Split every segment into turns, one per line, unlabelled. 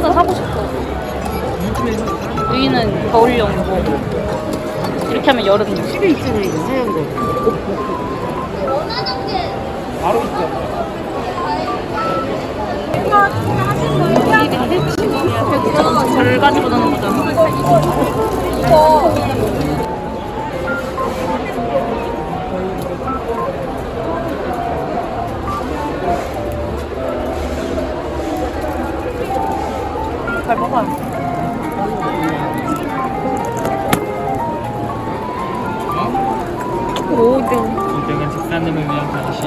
하나 사고 싶어. 여기는 겨울용이고 이렇게 하면 여름용.
집에 있잖아 이거 하얀 거.
바로 있죠.
절 가지고 노는 거잖아. 잘 먹어요. 오등.
2등은 직사님을 위한 간식.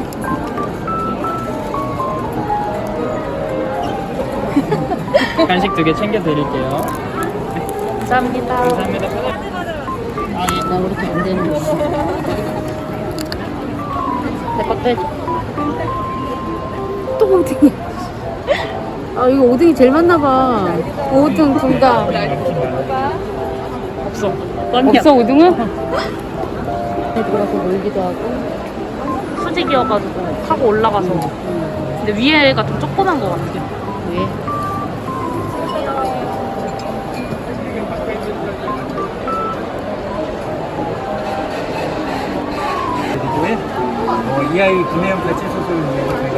간식 2개 챙겨드릴게요.
감사합니다.
감사합니다.
나 그렇게 안 되는 거.
내 것도 해줘.
또 5등이야. 아 이거 5등이 제일 많나 봐. 5등 둘 다.
없어.
없어 5등은? 들어가서 놀기도 하고.
수직이어가지고 타고 올라가서. 근데 위에가 좀 조그만 거 같아.
왜?
그리고에 이 아이 구매형 가치 소설을 위해서 저희가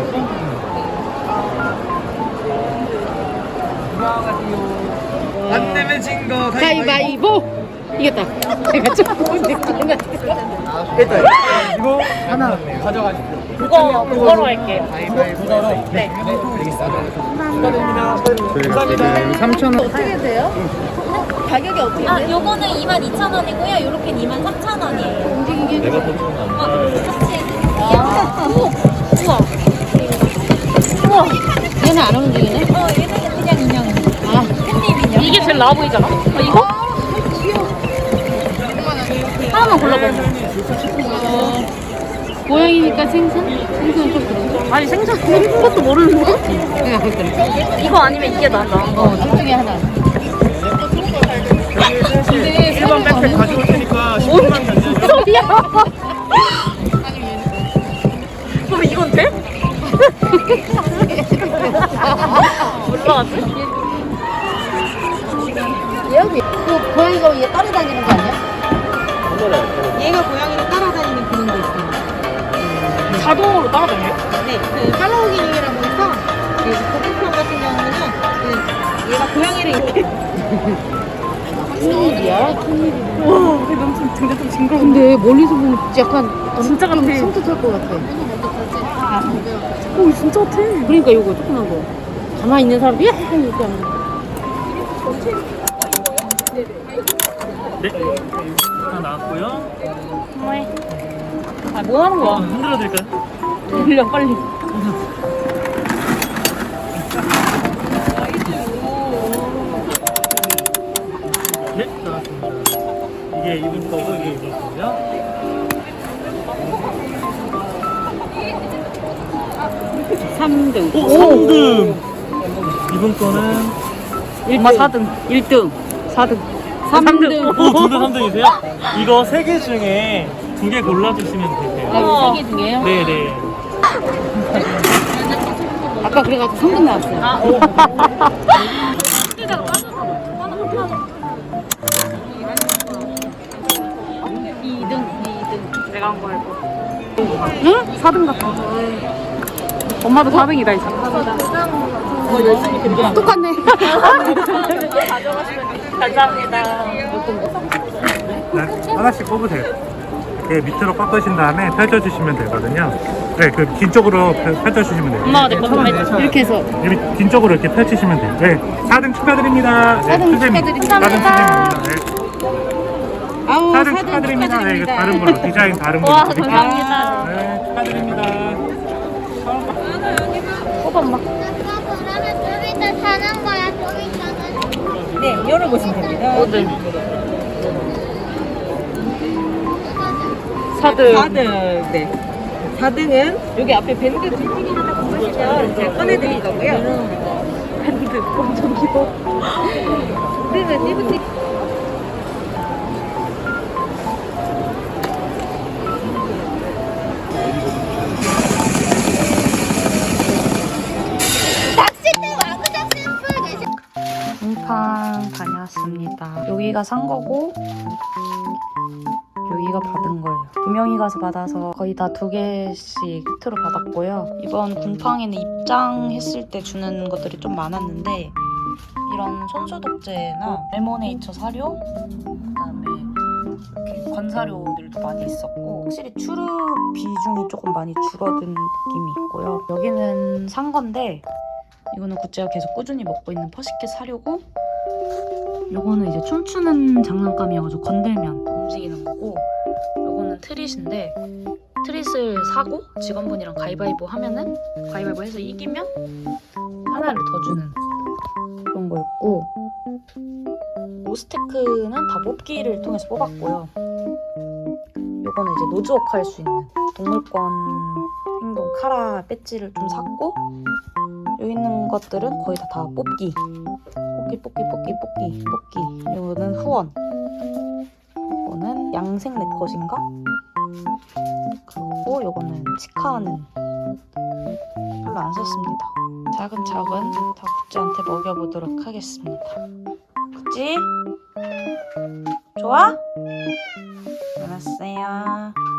뽕. 안 내면 진 거
가위바위보! 이겼다. 내가 조금 느끼는 것
일단 이거 하나 가져가십시오.
그거로 할게요.
그거로
네.
축하드립니다. 감사합니다. 3,000원.
어떻게 돼요? 가격이 어떻게 돼요?
아, 요거는 22,000원이고요. 요렇게는 23,000원이에요.
움직이게
내가 더 좋은 거
같이 해드릴게요.
우와. 우와.
얘는 안 움직이네?
얘는 그냥 인형.
아,
캣닙 인형.
이게 제일 나아 보이잖아. 이거? 하나만 골라봐.
고양이니까 생선? 생선 좀 그런가?
아니 생선 먹는 것도 모르는데?
내가 볼 때는.
이거 아니면 이게 나아.
둘 중에 하나.
근데
일반 백팩 가져올 테니까 10분만 견뎌줘.
소리야. 그럼 이건 돼? 올라갔어?
얘 고양이가 얘 따라다니는 거 아니야?
얘가 고양이를 따라다니는 기능도 있어요.
자동으로 따라다녀요?
네, 그 팔로우 기능이라고 해서 그 고등편 같은 경우는 그 얘가 고양이를 이렇게
큰일이야, 큰일이야.
와, 근데 좀 징그러운데.
근데 멀리서 보면 약간
진짜 같아.
섬뜩할 것 같아.
오, 진짜 같아.
그러니까 요거 조그만 거. 가만히 있는 사람도 야! 이렇게 하는 거.
네. 하나 나왔고요.
정말. 아, 뭐 하는 거야?
흔들어 드릴까요?
들려, 빨리.
네, 나왔습니다. 이게 이분 거고 이게 이분 거고요.
삼 3등.
오, 3등. 이분 거는
엄마 4등.
1등.
4등.
3등.
오, 둘 다 3등이세요? 이거 3개 중에 2개 골라주시면 되세요.
아, 3개 중에요?
네네.
아까 그래가지고 3등 나왔어요.
아, 오. 내가 한 거 알고. 응? 4등 같아. 엄마도 4등이다, 이제.
똑같네.
감사합니다.
네, 하나씩 뽑으세요. 네, 밑으로 꺾으신 다음에 펼쳐주시면 되거든요. 네, 그 긴 쪽으로 펼쳐주시면 돼요.
엄마가 내 거 좀 해줘.
이렇게 해서.
여기 긴 쪽으로 이렇게 펼치시면 돼요. 네, 4등 축하드립니다. 네,
4등
수제미.
축하드립니다.
4등 수제미입니다. 네,
아우,
4등 축하드립니다. 네, 이거 다른 걸로, 디자인 다른 걸로.
와,
드릴게요.
감사합니다.
네, 축하드립니다.
뽑아, 엄마.
그러면 좀 이따 사는 거야, 좀 이따는.
네, 열어보시면 됩니다.
5등. 4등.
4등, 네. 4등은 여기 앞에 밴드 뒷부분이 하나 보시면 제가 꺼내드릴 거고요.
밴드 완전 귀여워.
4등은 리프팅.
낚싯대 와그작 샘플 계셔.
여기가 산 거고 여기가 받은 거예요. 2명이 가서 받아서 거의 다 2개씩 세트로 받았고요. 이번 곰팡이는 입장했을 때 주는 것들이 좀 많았는데 이런 손소독제나 레모네이처 사료, 그다음에 이렇게 건사료들도 많이 있었고 확실히 추루 비중이 조금 많이 줄어든 느낌이 있고요. 여기는 산 건데 이거는 굿즈가 계속 꾸준히 먹고 있는 퍼시켓 사료고 요거는 이제 춤추는 장난감이어가지고 건들면 움직이는 거고 요거는 트릿인데 트릿을 사고 직원분이랑 가위바위보 하면은 가위바위보 해서 이기면 하나를 더 주는 그런 거였고 오스테크는 다 뽑기를 통해서 뽑았고요. 요거는 이제 노즈워크 할 수 있는 동물권 행동 카라 배지를 좀 샀고 여기 있는 것들은 거의 다 뽑기 뽑기 이거는 후원 이거는 양생 네컷인가? 그리고 요거는 치카는 별로 안 썼습니다. 차근차근 다 굿즈한테 먹여보도록 하겠습니다. 굿즈? 좋아? 알았어요.